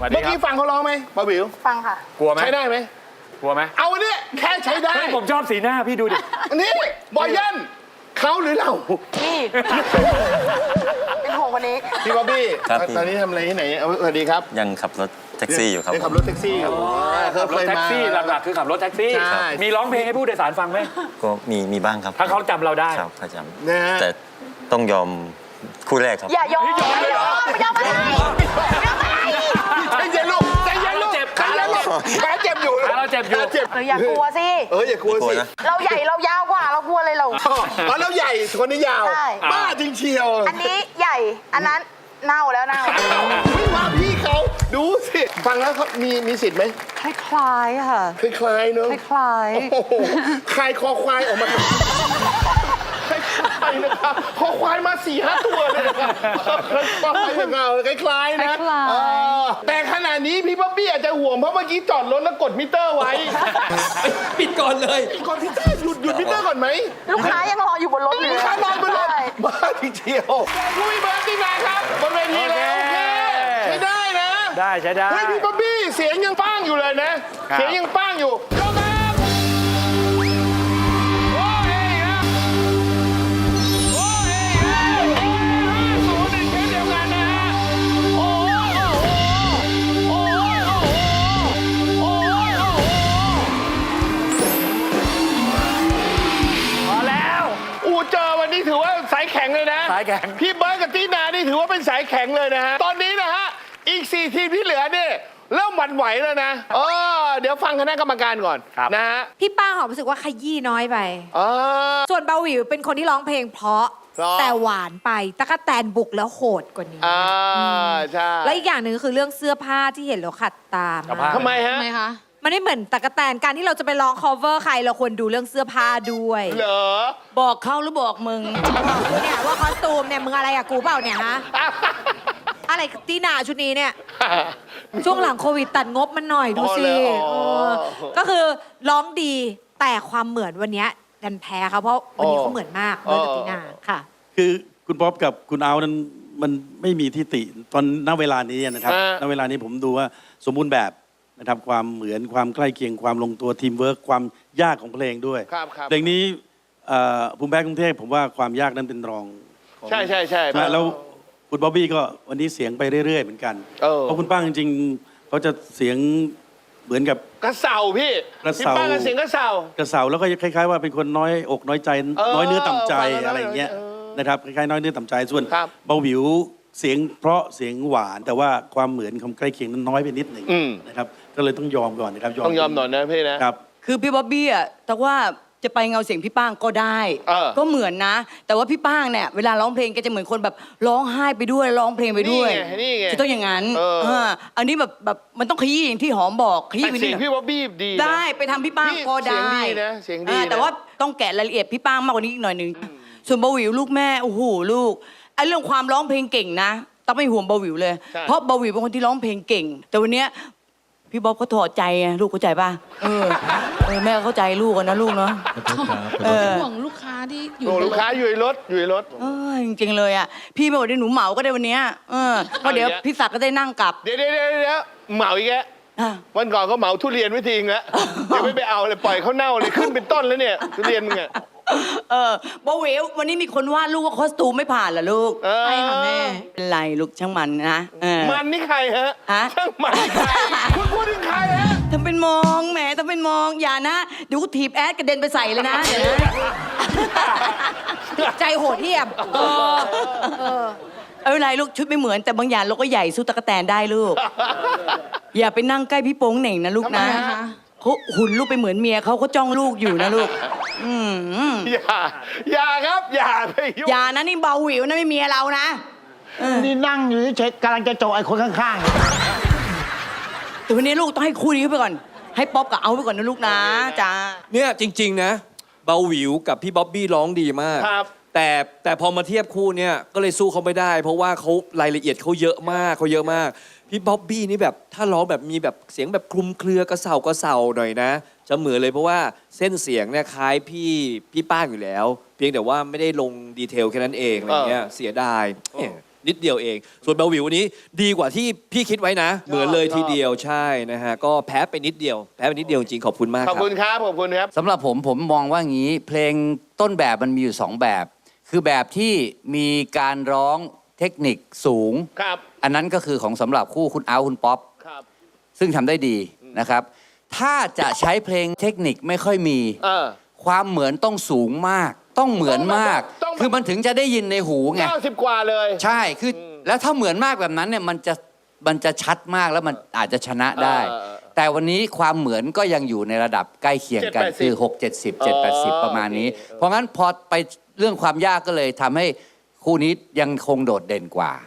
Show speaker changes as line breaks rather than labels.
เมื่อกี้ฟังเขาร้องไหมบาบิว
ฟังค่ะ
กลัวไหม
ใช้ได้ไหม
กลัวไหม
เอาเนี่ยแค่ใช้ได้
ผมชอบสีหน้าพี่ดูดิ
นี่บอยยันเขาหรือเรา
นี่ เป็นห่วงวันนี้
พี่บ๊อบบี้
ครับพี่
ตอนนี้ทำอะไรที่ไหนสวัสดีครับ
ยังขับรถแท็กซี่อยู่ครับ
ยังขับรถแท็กซี่อยู่
ขับรถแท็กซี่หลักๆคือขับรถแท็กซี่
ใช่
มีร้องเพลงให้ผู้โดยสารฟังไหม
ก็มีบ้างครับ ถ้า
ถ้าเขาจำเราได้
ครับประจ
นะฮะ
ำแต่ต้องยอมคู่แรกครับ
อย่ายอมอย่ายอมอย่ามาได้อย่ามาได้
ใจเย็นลูกใจเย็นลูก
เจ็บ
ใจเย็นลูกขาเจ็บอยู่
ขาเราเจ็บอยู่
ขาเจ็บ
อย่ากลัวสิ
อย่ากลัว
กลัว
สิ
นะ
เราใหญ่เรายาวกว่าเรากลัวเลยเรา
อ๋อแล้วใหญ่คนนี้ยาว
ใช่
บ้าจริงเชียว
อันนี้ใหญ่ อันนั้นเน่าแล้วเน่า
ไม่ว่าพี่เขาดูสิฟังแล้วเขามีสิทธิ์ไหม
คล้ายๆค่ะ
คล้ายๆเนอะ
คล้าย
โอ้โหคลายคอควายออกมาคล้ายๆนะครับคอควายมา4-5 ตัวเลยนะครับคอควายอย่างเงาคล้ายๆนะแต่ขณะนี้พี่ป๊อบบี้อาจจะห่วงเพราะเมื่อกี้จอดรถแล้วกดมิเตอร์ไว้
ปิดก่อนเลย
กดมิเตอร์หยุดมิเตอร์ก่อนไหม
ลูกค้ายังรออยู่บนรถอยู่
ลูกค้านอนบนรถ
ใช่
บ้าจริงเชียวผู้มีเบอร์ตีนาครับบนเวทีแล้วโอเคใช้ได้นะ
ได้ใช้ได้
เฮ้ยพี่ป๊อบบี้เสียงยังป้างอยู่เลยนะ
ครับ
เสียงยังป้างอยู่ยกครับโอ้ยครับโอ้ย5-0ในเกมเดียวกันนะฮะโอ้โหโอ้โหโอ้โหโอ้โห
พอแล้ว
เจอวันนี้ถือว่าสายแข็งเลยนะ
สายแข็ง
พี่เบิร์ดกับตีนานี่ถือว่าเป็นสายแข็งเลยนะฮะตอนนี้นะฮะอีก4 ทีมที่เหลือเนี่ยเริ่มหวั่นไหวแล้วนะเดี๋ยวฟังคณะกรรมการก่อนนะฮะ
ๆ พี่ป้าหอมรู้สึกว่าขยี้น้อยไป
อ๋อ
ส่วนเบาหวิวเป็นคนที่ร้องเพลงเพราะ
เพราะ
แต่หวานไปตะกะแตนบุกแล้วโหดกว่านี้
ใช่
และอีกอย่างหนึ่งคือเรื่องเสื้อผ้าที่เห็นแล้วขัดตาม
กับผ้า
ทำไมฮะ
ทำไมคะ
มันไม่เหมือนตะกะแตนการที่เราจะไปร้อง cover ใครเราควรดูเรื่องเสื้อผ้าด้วย
เหรอ
บอกเขาหรือบอกมึง
เนี่ยว่าคอสตูมเนี่ยมึงอะไรกับกูเปล่าเนี่ยฮะ อะไรตีหนาชุดนี้เนี่ย ช่วงหลังโควิดตัดงบมันหน่อยดูสิ
อ๋อ
ก็คือร้องดีแต่ความเหมือนวันเนี้ยดันแพ้เขาเพราะวันนี้เขาเหมือนมากเบิร์ดกับตีนาค่ะ
คือคุณป๊อปกับคุณเอานั้นมันไม่มีทิฏฐิตอนณเวลานี้นะครับ ณเวลานี้ผมดูว่าสมบูรณ์แบบนะครับความเหมือนความใกล้เคียงความลงตัวทีมเวิร์คความยากของเพลงด้วย
ครับ
เพลงนี้ภูมิแพ้กรุงเทพผมว่าความยากนั้นเป็นรองของ
ใช่
นะแล้วคุณบ๊อบบี้ก็วันนี้เสียงไปเรื่อยๆเหมือนกันเพราะคุณป้าจริงๆเขาจะเสียงเหมือนกับ
กระเสาพี่
กระ
พี่
เสา
ป้ากระเสียงกระเสาก
ระเสาแล้วก็คล้ายๆว่าเป็นคนน้อยอกน้อยใจน้อยเนื้อต่ำใจอะไรอย่างเงี้ยนะครับคล้ายๆน้อยเนื้อต่ำใจส่วนเบาหวิวเสียงเพราะเสียงหวานแต่ว่าความเหมือนความใกล้เคียงนั้นน้อยไปนิดหนึ่งนะครับก็เลยต้องยอมก่อนนะครับ
ต้องยอมหน่อยนะพี่นะครับ
คือพี่บ๊อบบี้อะแต่ว่าจะไปเงาเสียงพี่ป้างก็ได้ ก็เหมือนนะ แต่ว่าพี่ป้างเนี่ยเวลาร้องเพลงแกจะเหมือนคนแบบร้องไห้ไปด้วยร้องเพลงไปด้วย
นี่ไง
จะต้องอย่างนั้นอันนี้แบบมันต้องขยี้อย่างที่หอมบอกขยี้
แต่
ไป
เสี
นิ
ย
ด
ง
หน่อย
พี่บ๊อบบี้ดีนะ
ได้ไปทำพี่ป้างก็ได้
เสียงดีนะเสียงดีนะ
แต่ว่าต้องแกะรายละเอียดพี่ป้างมากกว่านี้อีกหน่อยหนึงส่วนเบาหวิวลูกแม่โอ้โหลูกไอ้เรื่องความร้องเพลงเก่งนะต้องไม่ห่วงเบาหวิวเลย เพราะเบาหวิวเป็นคนที่ร้องเพลงเก่ง แต่วันเนี้ยพี่บ๊อบเขาถอดใจไงลูกเข้าใจป่ะแม่เข้าใจลูกกันนะลูกเนาะ
ห่วงลูกค้าที่อยู่
โอ้ลูกค้าอยู่ในรถ
จริงๆเลยอ่ะพี่ไม่บอกได้หนูเหมาก็ได้วันเนี้ยเพราะเดี๋ยวพี่ศักดิ์ก็ได้นั่งกลับ
เดี๋ยวเหมาอีกแล้ววันก่อนเขาเหมาทุเรียนไว้ทิ้งแล้วเดี๋ยวไม่ไปเอาเลยปล่อยเขาเน่าเลยขึ้นเป็นต้นแล้วเนี่ยทุเรียนมึงอ่ะ
บาเวลวันนี้มีคนวาดลูกว่าคอสตูมไม่ผ่านเหรอลูก
ใช่ค่ะแม่
เป็นไรลูกช่างมันนะ
มันนี่ใครฮะ
ฮะ
ช่างมันนี่ใครคุณพูดถึงใครฮะ
ทำเป็นมองแหมทำเป็นมองอย่านะเดี๋ยวกูถีบแอดกระเด็นไปใส่เลยนะเดี๋ยวนะ
ใจโหดเหี้ยม
เอาไรลูกชุดไม่เหมือนแต่บางอย่างเราก็ใหญ่สู้ตะกแตนได้ลูก อย่าไปนั่งใกล้พี่โป้งเหน่งนะลูกนะเขาหุ่นลูกไปเหมือนเมียเขาจ้องลูกอยู่นะลูก
อย่าครับอย่าไปยุ่ง
อย่านะนี่เบาหวิวนะไม่เมียเรานะ
นี่นั่งอยู่เฉยๆกำลังจะโจไอ้คนข้างๆ
แต่วันนี้ลูกต้องให้คู่นี้ไปก่อน ให้ป๊อปกับเอาไปก่อนนะลูกนะจ้า
เนี่ยจริงๆนะเบาหวิวกับพี่บ๊อบบี้ร้องดีมาก
ครับ
แต่พอมาเทียบคู่เนี่ยก็เลยสู้เขาไม่ได้ เพราะว่าเขารายละเอียดเขาเยอะมากพี่บ๊อบบี้นี่แบบถ้าร้องแบบมีแบบเสียงแบบคลุมเครือกระเสาหน่อยนะจะเหมือนเลยเพราะว่าเส้นเสียงเนี่ยคล้ายพี่ป้างอยู่แล้ว เพียงแต่ว่าไม่ได้ลงดีเทลแค่นั้นเองอะไรเงี้ยเสียดายนิดเดียวเอง ส่วนเบาหวิววันนี้ดีกว่าที่พี่คิดไว้นะ เหมือนเลยทีเดียวใช่นะฮะก็แพ้ไปนิดเดียวจริงๆขอบคุณมากค
ข
รั
อบบ คุณครับขอบคุณครับ
สำหรับผมมองว่างี้เพลงต้นแบบมันมีอยู่ 2 แบบ คือแบบที่มีการร้องเทคนิคสูง
ครับ
อันนั้นก็คือของสำหรับคู่คุณเอาท์คุณป๊อป
ครับ
ซึ่งทำได้ดีนะครับ ถ้าจะใช้เพลงเทคนิคไม่ค่อยมี ความเหมือนต้องสูงมาก ต้องเหมือนมาก
ต้องแบบ
คือมันถึงจะได้ยินในหูไง
90 กว่าเลย
ใช่คือแล้วถ้าเหมือนมากแบบนั้นเนี่ยมันจะชัดมากแล้วมันอาจจะชนะได้ แต่วันนี้ความเหมือนก็ยังอยู่ในระดับใกล้เคียงกัน
7-80
คือ 6 70 7 80 ประมาณนี้ เพราะงั้นพอไปเรื่องความยากก็เลยทำให้คู่นี้ยังคงโดดเด่นกว่า